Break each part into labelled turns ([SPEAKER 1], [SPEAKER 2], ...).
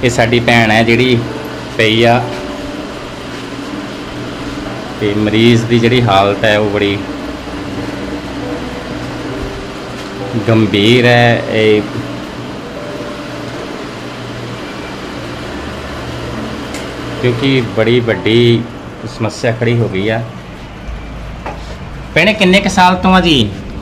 [SPEAKER 1] ਇਹ ਸਾਡੀ ਭੈਣ ਹੈ ਜਿਹੜੀ ਪਈ ਆ ਤੇ ਮਰੀਜ਼ ਦੀ ਜਿਹੜੀ ਹਾਲਤ ਹੈ ਉਹ ਬੜੀ ਗੰਭੀਰ ਹੈ। ਇਹ ਕਿਉਂਕਿ ਬੜੀ ਵੱਡੀ ਸਮੱਸਿਆ ਖੜੀ ਹੋ ਗਈ ਆ। ਭੈਣੇ ਕਿੰਨੇ ਕੁ ਸਾਲ ਤੋਂ ਆ ਜੀ?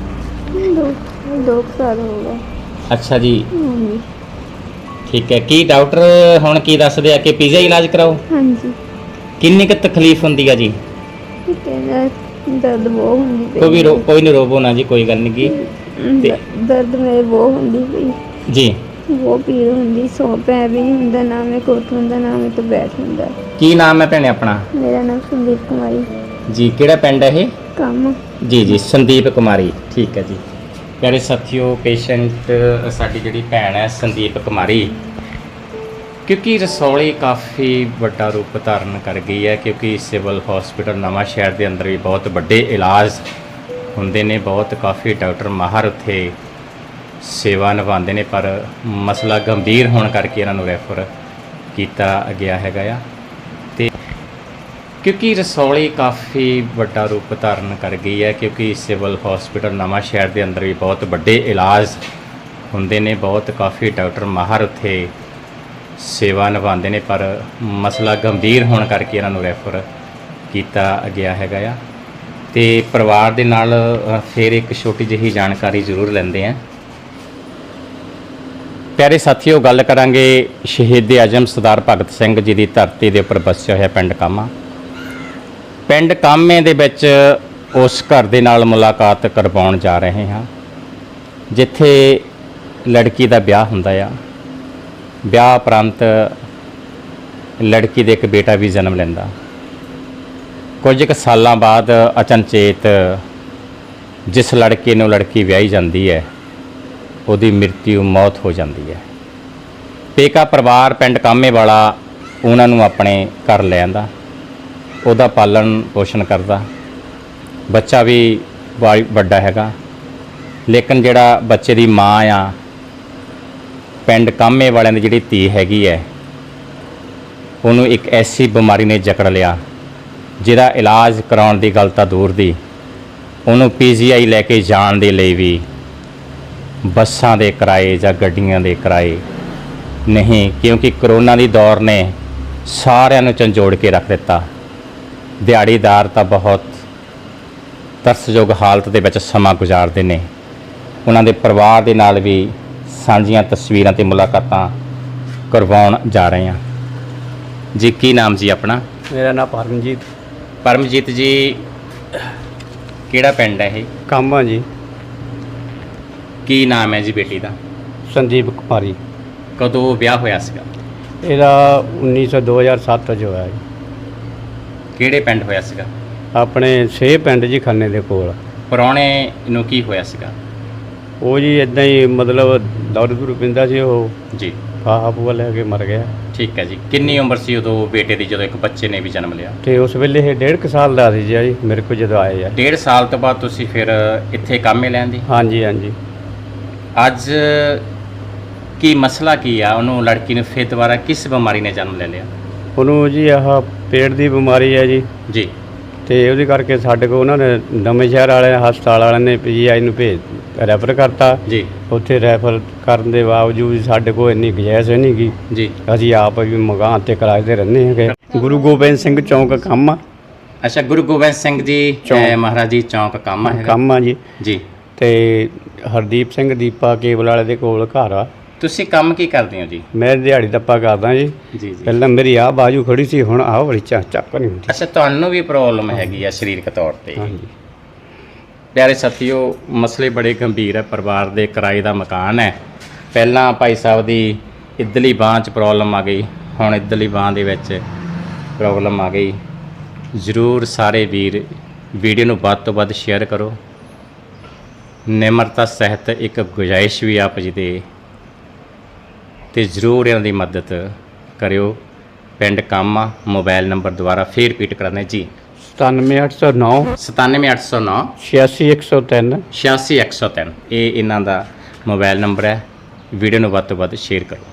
[SPEAKER 2] 2 ਸਾਲ ਹੋ ਗਏ।
[SPEAKER 1] ਅੱਛਾ ਜੀ,
[SPEAKER 2] ਹਾਂਜੀ
[SPEAKER 1] ਠੀਕ ਹੈ। ਕੀ ਡਾਕਟਰ ਹੁਣ ਕੀ ਦੱਸਦੇ ਆ ਕਿ ਪੀਜ਼ਾ ਇਲਾਜ ਕਰਾਓ?
[SPEAKER 2] ਹਾਂਜੀ
[SPEAKER 1] ਕਿੰਨੀ ਕੁ ਤਕਲੀਫ ਹੁੰਦੀ ਆ ਜੀ?
[SPEAKER 2] ਕਹਿੰਦਾ ਦਰਦ ਬਹੁਤ ਹੁੰਦੀ ਪਈ।
[SPEAKER 1] ਕੋਈ ਨਹੀਂ, ਰੋਵੋ ਨਾ ਜੀ, ਕੋਈ ਗੱਲ ਨਹੀਂ ਗੀ।
[SPEAKER 2] ਦਰਦ ਮੇਰੇ ਬਹੁਤ ਹੁੰਦੀ ਪਈ
[SPEAKER 1] ਜੀ,
[SPEAKER 2] ਬਹੁਤ ਪੀੜ ਹੁੰਦੀ, ਸੌ ਪੈ ਵੀ ਨਹੀਂ ਹੁੰਦਾ, ਨਾ ਮੈਂ ਕੋਠ ਹੁੰਦਾ, ਨਾ ਮੈਂ ਤੋਂ ਬੈਠ ਹੁੰਦਾ।
[SPEAKER 1] ਕੀ ਨਾਮ ਹੈ ਭੈਣੇ ਆਪਣਾ?
[SPEAKER 2] ਮੇਰਾ ਨਾਮ ਸੰਦੀਪ ਕੁਮਾਰੀ।
[SPEAKER 1] ਜੀ, ਕਿਹੜਾ ਪਿੰਡ ਹੈ ਇਹ?
[SPEAKER 2] ਕੰਮ
[SPEAKER 1] ਜੀ, ਸੰਦੀਪ ਕੁਮਾਰੀ, ਠੀਕ ਹੈ ਜੀ। ਪਿਆਰੇ ਸਾਥੀਓ, ਪੇਸ਼ੈਂਟ ਸਾਡੀ ਜਿਹੜੀ ਭੈਣ ਹੈ ਸੰਦੀਪ ਕੁਮਾਰੀ, ਕਿਉਂਕਿ ਰਸੌਲੀ ਕਾਫੀ ਵੱਡਾ ਰੂਪ ਧਾਰਨ ਕਰ ਗਈ ਹੈ। ਕਿਉਂਕਿ ਸਿਵਲ ਹਸਪੀਟਲ ਨਵਾਂ ਸ਼ਹਿਰ ਦੇ ਅੰਦਰ ਵੀ ਬਹੁਤ ਵੱਡੇ ਇਲਾਜ ਹੁੰਦੇ ਨੇ, ਬਹੁਤ ਕਾਫੀ ਡਾਕਟਰ ਮਾਹਰ ਉੱਥੇ ਸੇਵਾ ਨਿਭਾਉਂਦੇ ਨੇ, ਪਰ ਮਸਲਾ ਗੰਭੀਰ ਹੋਣ ਕਰਕੇ ਇਹਨਾਂ ਨੂੰ ਰੈਫਰ ਕੀਤਾ ਗਿਆ ਹੈਗਾ ਆ। ਤੇ ਕਿਉਂਕਿ ਰਸੌਲੀ ਕਾਫੀ ਵੱਡਾ ਰੂਪ ਧਾਰਨ ਕਰ ਗਈ ਹੈ। ਕਿਉਂਕਿ ਸਿਵਲ ਹਸਪੀਟਲ ਨਵਾਂ ਸ਼ਹਿਰ ਦੇ ਅੰਦਰ ਵੀ ਬਹੁਤ ਵੱਡੇ ਇਲਾਜ ਹੁੰਦੇ ਨੇ, ਬਹੁਤ ਕਾਫੀ ਡਾਕਟਰ ਮਾਹਰ ਉੱਥੇ ਸੇਵਾ ਨਿਭਾਉਂਦੇ ਨੇ, ਪਰ ਮਸਲਾ ਗੰਭੀਰ ਹੋਣ ਕਰਕੇ ਇਹਨਾਂ ਨੂੰ ਰੈਫਰ ਕੀਤਾ ਗਿਆ ਹੈਗਾ ਆ। ਤੇ ਪਰਿਵਾਰ ਦੇ ਨਾਲ ਫਿਰ ਇੱਕ ਛੋਟੀ ਜਿਹੀ ਜਾਣਕਾਰੀ ਜ਼ਰੂਰ ਲੈਂਦੇ ਹਾਂ। ਪਿਆਰੇ ਸਾਥੀਓ, ਗੱਲ ਕਰਾਂਗੇ ਸ਼ਹੀਦ ਆਜ਼ਮ ਸਰਦਾਰ ਭਗਤ ਸਿੰਘ ਜੀ ਦੀ ਧਰਤੀ ਦੇ ਉੱਪਰ ਵਸਿਆ ਹੋਇਆ ਪਿੰਡ ਕਾਮਾ। ਪਿੰਡ ਕਾਮੇ ਦੇ ਵਿੱਚ ਉਸ ਘਰ ਦੇ ਨਾਲ ਮੁਲਾਕਾਤ ਕਰਵਾਉਣ ਜਾ ਰਹੇ ਹਾਂ ਜਿੱਥੇ ਲੜਕੀ ਦਾ ਵਿਆਹ ਹੁੰਦਾ ਆ। ਵਿਆਹ ਉਪਰੰਤ ਲੜਕੀ ਦੇ ਇੱਕ ਬੇਟਾ ਵੀ ਜਨਮ ਲੈਂਦਾ। ਕੁਝ ਕੁ ਸਾਲਾਂ ਬਾਅਦ ਅਚਨਚੇਤ ਜਿਸ ਲੜਕੇ ਨੂੰ ਲੜਕੀ ਵਿਆਹੀ ਜਾਂਦੀ ਹੈ ਉਹਦੀ ਮੌਤ ਹੋ ਜਾਂਦੀ ਹੈ। ਪੇਕਾ ਪਰਿਵਾਰ ਪਿੰਡ ਕਾਮੇ ਵਾਲਾ ਉਹਨਾਂ ਨੂੰ ਆਪਣੇ ਘਰ ਲੈ ਆਂਦਾ, ਉਹਦਾ ਪਾਲਣ ਪੋਸ਼ਣ ਕਰਦਾ। ਬੱਚਾ ਵੀ ਵੱਡਾ ਹੈਗਾ, ਲੇਕਿਨ ਜਿਹੜਾ ਬੱਚੇ ਦੀ ਮਾਂ ਆ, ਪਿੰਡ ਕਾਮੇ ਵਾਲਿਆਂ ਦੀ ਜਿਹੜੀ ਧੀ ਹੈਗੀ ਹੈ, ਉਹਨੂੰ ਇੱਕ ਐਸੀ ਬਿਮਾਰੀ ਨੇ ਜਕੜ ਲਿਆ ਜਿਹਦਾ ਇਲਾਜ ਕਰਾਉਣ ਦੀ ਗੱਲ ਤਾਂ ਦੂਰ ਦੀ, ਉਹਨੂੰ PGI ਲੈ ਕੇ ਜਾਣ ਦੇ ਲਈ ਵੀ ਬੱਸਾਂ ਦੇ ਕਿਰਾਏ ਜਾਂ ਗੱਡੀਆਂ ਦੇ ਕਿਰਾਏ ਨਹੀਂ, ਕਿਉਂਕਿ ਕਰੋਨਾ ਦੀ ਦੌਰ ਨੇ ਸਾਰਿਆਂ ਨੂੰ ਝੰਜੋੜ ਕੇ ਰੱਖ ਦਿੱਤਾ। ਦਿਹਾੜੀਦਾਰ ਤਾਂ ਬਹੁਤ ਤਰਸਯੋਗ ਹਾਲਤ ਦੇ ਵਿੱਚ ਸਮਾਂ ਗੁਜ਼ਾਰਦੇ ਨੇ। ਉਹਨਾਂ ਦੇ ਪਰਿਵਾਰ ਦੇ ਨਾਲ ਵੀ ਸਾਂਝੀਆਂ ਤਸਵੀਰਾਂ ਤੇ ਮੁਲਾਕਾਤਾਂ ਕਰਵਾਉਣ ਜਾ ਰਹੇ ਹਾਂ ਜੀ। ਕੀ ਨਾਮ ਜੀ ਆਪਣਾ?
[SPEAKER 3] ਮੇਰਾ ਨਾਮ ਪਰਮਜੀਤ।
[SPEAKER 1] ਪਰਮਜੀਤ ਜੀ, ਕਿਹੜਾ ਪਿੰਡ ਹੈ ਇਹ?
[SPEAKER 3] ਕਾਮਾ ਜੀ।
[SPEAKER 1] ਕੀ ਨਾਮ ਹੈ ਜੀ ਬੇਟੀ ਦਾ?
[SPEAKER 3] ਸੰਦੀਪ ਕੁਮਾਰੀ।
[SPEAKER 1] ਕਦੋਂ ਵਿਆਹ ਹੋਇਆ ਸੀਗਾ?
[SPEAKER 3] ਇਹਦਾ 2007 ਚ ਹੋਇਆ ਜੀ।
[SPEAKER 1] ਕਿਹੜੇ ਪਿੰਡ ਹੋਇਆ ਸੀਗਾ?
[SPEAKER 3] ਆਪਣੇ ਛੇ ਪਿੰਡ ਜੀ ਖੰਨੇ ਦੇ ਕੋਲ।
[SPEAKER 1] ਪ੍ਰਾਹੁਣੇ ਨੂੰ ਕੀ ਹੋਇਆ ਸੀਗਾ?
[SPEAKER 3] ਉਹ ਜੀ ਇਦਾਂ ਹੀ ਮਤਲਬ ਦਾਰੂ ਦੂਰੂ ਪੀਂਦਾ ਸੀ, ਉਹ
[SPEAKER 1] ਜੀ
[SPEAKER 3] ਫਾਹਾ ਫੂਹਾ ਲੈ ਕੇ ਮਰ ਗਿਆ।
[SPEAKER 1] ਠੀਕ ਹੈ ਜੀ। ਕਿੰਨੀ ਉਮਰ ਸੀ ਉਦੋਂ ਬੇਟੇ ਦੀ ਜਦੋਂ ਇੱਕ ਬੱਚੇ ਨੇ ਵੀ ਜਨਮ ਲਿਆ?
[SPEAKER 3] ਤੇ ਉਸ ਵੇਲੇ ਇਹ 1.5 ਸਾਲ ਦਾ ਸੀ ਜੀ ਮੇਰੇ ਕੋਲ ਜਦੋਂ ਆਏ ਆ।
[SPEAKER 1] 1.5 ਸਾਲ ਤੋਂ ਬਾਅਦ ਤੁਸੀਂ ਫਿਰ ਇੱਥੇ ਕਾਮੇ ਲੈਣ ਦੀ?
[SPEAKER 3] ਹਾਂਜੀ ਹਾਂਜੀ।
[SPEAKER 1] ਅੱਜ ਕੀ ਮਸਲਾ ਕੀ ਆ? ਉਹਨੂੰ ਲੜਕੀ ਨੂੰ ਫਿਰ ਦੁਬਾਰਾ ਕਿਸ ਬਿਮਾਰੀ ਨੇ ਜਨਮ ਲੈ ਲਿਆ?
[SPEAKER 3] ਉਹਨੂੰ ਜੀ ਆਹ ਪੇਟ ਦੀ ਬਿਮਾਰੀ ਹੈ ਜੀ।
[SPEAKER 1] ਜੀ।
[SPEAKER 3] ਤੇ ਉਹਦੇ ਕਰਕੇ ਸਾਡੇ ਕੋਲ ਉਹਨਾਂ ਨੇ ਨਵੇਂ ਸ਼ਹਿਰ ਵਾਲੇ ਹਸਪਤਾਲ ਵਾਲਿਆਂ ਨੇ PGI ਨੂੰ ਰੈਫਰ ਕਰਤਾ
[SPEAKER 1] ਜੀ।
[SPEAKER 3] ਉੱਥੇ ਰੈਫਰ ਕਰਨ ਦੇ ਬਾਵਜੂਦ ਸਾਡੇ ਕੋਲ ਇੰਨੀ ਗੁੰਜਾਇਸ਼ ਨਹੀਂ ਗਈ
[SPEAKER 1] ਜੀ।
[SPEAKER 3] ਅਸੀਂ ਆਪ ਵੀ ਮਕਾਨ ਤੇ ਕਿਰਾਏ ਤੇ ਰਹਿੰਦੇ ਹੈਗੇ। ਗੁਰੂ ਗੋਬਿੰਦ ਸਿੰਘ ਚੌਂਕ ਕਾਮਾ।
[SPEAKER 1] ਅੱਛਾ, ਗੁਰੂ ਗੋਬਿੰਦ ਸਿੰਘ ਜੀ ਮਹਾਰਾਜ ਜੀ ਚੌਂਕ ਕਾਮਾ ਹੈ?
[SPEAKER 3] ਕਾਮਾ ਜੀ।
[SPEAKER 1] ਜੀ।
[SPEAKER 3] ਤੇ ਹਰਦੀਪ ਸਿੰਘ ਦੀਪਾ ਕੇਬਲ ਵਾਲੇ ਦੇ ਕੋਲ ਘਰ ਆ।
[SPEAKER 1] ਤੁਸੀਂ ਕੰਮ ਕੀ ਕਰਦੇ ਹੋ ਜੀ?
[SPEAKER 3] ਮੈਂ ਦਿਹਾੜੀ ਦੱਪਾ ਕਰਦਾ ਜੀ।
[SPEAKER 1] ਜੀ।
[SPEAKER 3] ਪਹਿਲਾਂ ਮੇਰੀ ਆਹ ਬਾਜੂ ਖੜੀ ਸੀ, ਹੁਣ ਆਹ ਵਾਲੀ ਚੱਕ ਨਹੀਂ ਹੁੰਦੀ।
[SPEAKER 1] ਅੱਛਾ, ਤੁਹਾਨੂੰ ਵੀ ਪ੍ਰੋਬਲਮ ਹੈਗੀ ਆ ਸਰੀਰਕ ਤੌਰ ਤੇ?
[SPEAKER 3] ਹਾਂਜੀ।
[SPEAKER 1] ਪਿਆਰੇ ਸਾਥੀਓ, ਮਸਲੇ ਬੜੇ ਗੰਭੀਰ ਹੈ। ਪਰਿਵਾਰ ਦੇ ਕਿਰਾਏ ਦਾ ਮਕਾਨ ਹੈ। ਪਹਿਲਾਂ ਭਾਈ ਸਾਹਿਬ ਦੀ ਇੱਧਰਲੀ ਬਾਂਹ 'ਚ ਪ੍ਰੋਬਲਮ ਆ ਗਈ, ਹੁਣ ਇੱਧਰਲੀ ਬਾਂਹ ਦੇ ਵਿੱਚ ਪ੍ਰੋਬਲਮ ਆ ਗਈ। ਜ਼ਰੂਰ ਸਾਰੇ ਵੀਰ ਵੀਡੀਓ ਨੂੰ ਵੱਧ ਤੋਂ ਵੱਧ ਸ਼ੇਅਰ ਕਰੋ। ਨਿਮਰਤਾ ਸਹਿਤ ਇੱਕ ਗੁਜ਼ਾਇਸ਼ ਵੀ ਆਪ ਜੀ ਦੇ ਤੇ ਜ਼ਰੂਰ ਇਹਨਾਂ ਦੀ ਮਦਦ ਕਰਿਓ। ਪਿੰਡ ਕਾਮਾ। ਮੋਬਾਈਲ ਨੰਬਰ ਦੁਬਾਰਾ ਫੇਰ ਰਿਪੀਟ ਕਰਾਂਗੇ ਜੀ।
[SPEAKER 3] 97809
[SPEAKER 1] 97809
[SPEAKER 3] 86103
[SPEAKER 1] 86103। ਇਹ ਇਹਨਾਂ ਦਾ ਮੋਬਾਈਲ ਨੰਬਰ ਹੈ। ਵੀਡੀਓ ਨੂੰ ਵੱਧ ਤੋਂ ਵੱਧ ਸ਼ੇਅਰ ਕਰੋ।